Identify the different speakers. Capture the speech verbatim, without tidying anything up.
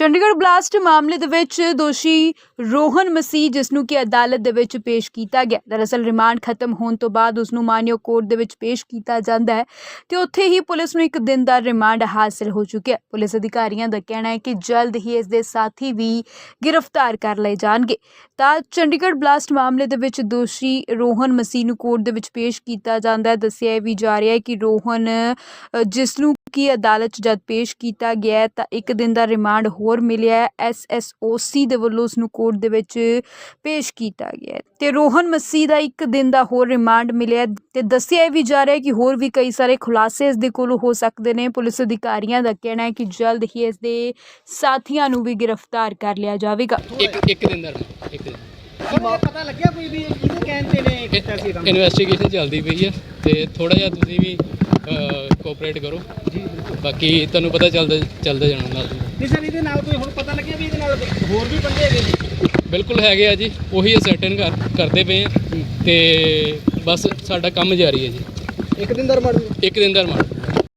Speaker 1: Chandigarh blast ਮਾਮਲੇ ਦੇ ਵਿੱਚ ਦੋਸ਼ੀ ਰੋਹਨ ਮਸੀਹ ਜਿਸ ਨੂੰ ਕਿ ਅਦਾਲਤ ਦੇ ਵਿੱਚ ਪੇਸ਼ ਕੀਤਾ ਗਿਆ। ਦਰਅਸਲ ਰਿਮਾਂਡ ਖਤਮ ਹੋਣ ਤੋਂ ਬਾਅਦ ਉਸ ਨੂੰ ਮਾਨਯੋਗ ਕੋਰਟ ਦੇ ਵਿੱਚ ਪੇਸ਼ ਕੀਤਾ ਜਾਂਦਾ ਹੈ ਤੇ ਉੱਥੇ ਹੀ ਪੁਲਿਸ ਨੂੰ ਇੱਕ ਦਿਨ ਦਾ ਰਿਮਾਂਡ ਹਾਸਲ ਹੋ ਚੁੱਕਿਆ। ਪੁਲਿਸ ਅਧਿਕਾਰੀਆਂ ਦਾ ਕਹਿਣਾ ਹੈ ਕਿ ਜਲਦ ਹੀ ਇਸ ਦੇ ਸਾਥੀ ਵੀ ਗ੍ਰਿਫਤਾਰ ਕਰ ਲਏ ਜਾਣਗੇ। ਤਾਂ ਚੰਡੀਗੜ੍ਹ ਬਲਾਸਟ ਮਾਮਲੇ ਦੇ ਵਿੱਚ ਦੋਸ਼ੀ ਰੋਹਨ ਮਸੀਹ ਨੂੰ ਕੋਰਟ ਦੇ ਵਿੱਚ ਪੇਸ਼ ਕੀਤਾ ਜਾਂਦਾ ਹੈ। ਦੱਸਿਆ ਵੀ ਜਾ ਰਿਹਾ ਹੈ ਕਿ ਰੋਹਨ ਜਿਸ ਨੂੰ ਕਿ ਅਦਾਲਤ 'ਚ ਜਦ ਪੇਸ਼ ਕੀਤਾ ਗਿਆ ਤਾਂ ਇੱਕ ਦਿਨ ਦਾ ਰਿਮਾਂਡ ਹੋਰ ਮਿਲਿਆ। ਐਸ ਐਸ ਓ ਸੀ ਦੇ ਵੱਲੋਂ ਉਸ ਨੂੰ ਕੋਰਟ ਦੇ ਵਿੱਚ ਪੇਸ਼ ਕੀਤਾ ਗਿਆ ਤੇ ਰੋਹਨ ਮਸੀਹ ਦਾ ਇੱਕ ਦਿਨ ਦਾ ਹੋਰ ਰਿਮਾਂਡ ਮਿਲਿਆ ਤੇ ਦੱਸਿਆ ਵੀ ਜਾ ਰਿਹਾ ਹੈ ਕਿ ਹੋਰ ਵੀ ਕਈ ਸਾਰੇ ਖੁਲਾਸੇ ਇਸ ਦੇ ਕੋਲ ਹੋ ਸਕਦੇ ਨੇ। ਪੁਲਿਸ ਅਧਿਕਾਰੀਆਂ ਦਾ ਕਹਿਣਾ ਹੈ ਕਿ ਜਲਦ ਹੀ ਇਸ ਦੇ ਸਾਥੀਆਂ ਨੂੰ ਵੀ ਗ੍ਰਿਫਤਾਰ ਕਰ ਲਿਆ ਜਾਵੇਗਾ।
Speaker 2: ਇੱਕ ਇੱਕ ਦਿਨ ਦਾ ਇੱਕ ਦਿਨ
Speaker 3: ਪਤਾ ਲੱਗਿਆ ਕੋਈ ਵੀ ਇਹਦੇ ਕਹਿਣ ਤੇ ਨੇ ਕੀਤਾ ਸੀ ਕੰਮ।
Speaker 2: ਇਨਵੈਸਟੀਗੇਸ਼ਨ ਚੱਲਦੀ ਪਈ ਹੈ ਤੇ ਥੋੜਾ ਜਿਹਾ ਤੁਸੀਂ ਵੀ ਕੋਆਪਰੇਟ ਕਰੋ ਜੀ। ਬਾਕੀ ਤੁਹਾਨੂੰ ਪਤਾ ਚੱਲਦਾ ਚੱਲਦਾ ਜਾਣਾ ਨਾਲ।
Speaker 3: ਨਹੀਂ ਸਰ, ਇਹਦੇ ਨਾਲ ਕੋਈ ਹੁਣ ਪਤਾ ਲੱਗਿਆ ਵੀ ਇਹਦੇ ਨਾਲ ਹੋਰ ਵੀ ਬੰਦੇ ਹੈਗੇ ਜੀ?
Speaker 2: ਬਿਲਕੁਲ ਹੈਗੇ ਆ ਜੀ, ਉਹੀ ਅਸਰਟਨ ਕਰ ਕਰਦੇ ਪਏ ਆ ਤੇ ਬਸ ਸਾਡਾ ਕੰਮ ਜਾਰੀ ਹੈ ਜੀ।
Speaker 3: ਇੱਕ ਦਿਨ ਦਾ ਰਿਮਾਂਡ
Speaker 2: ਇੱਕ ਦਿਨ ਦਾ ਰਿਮਾਂਡ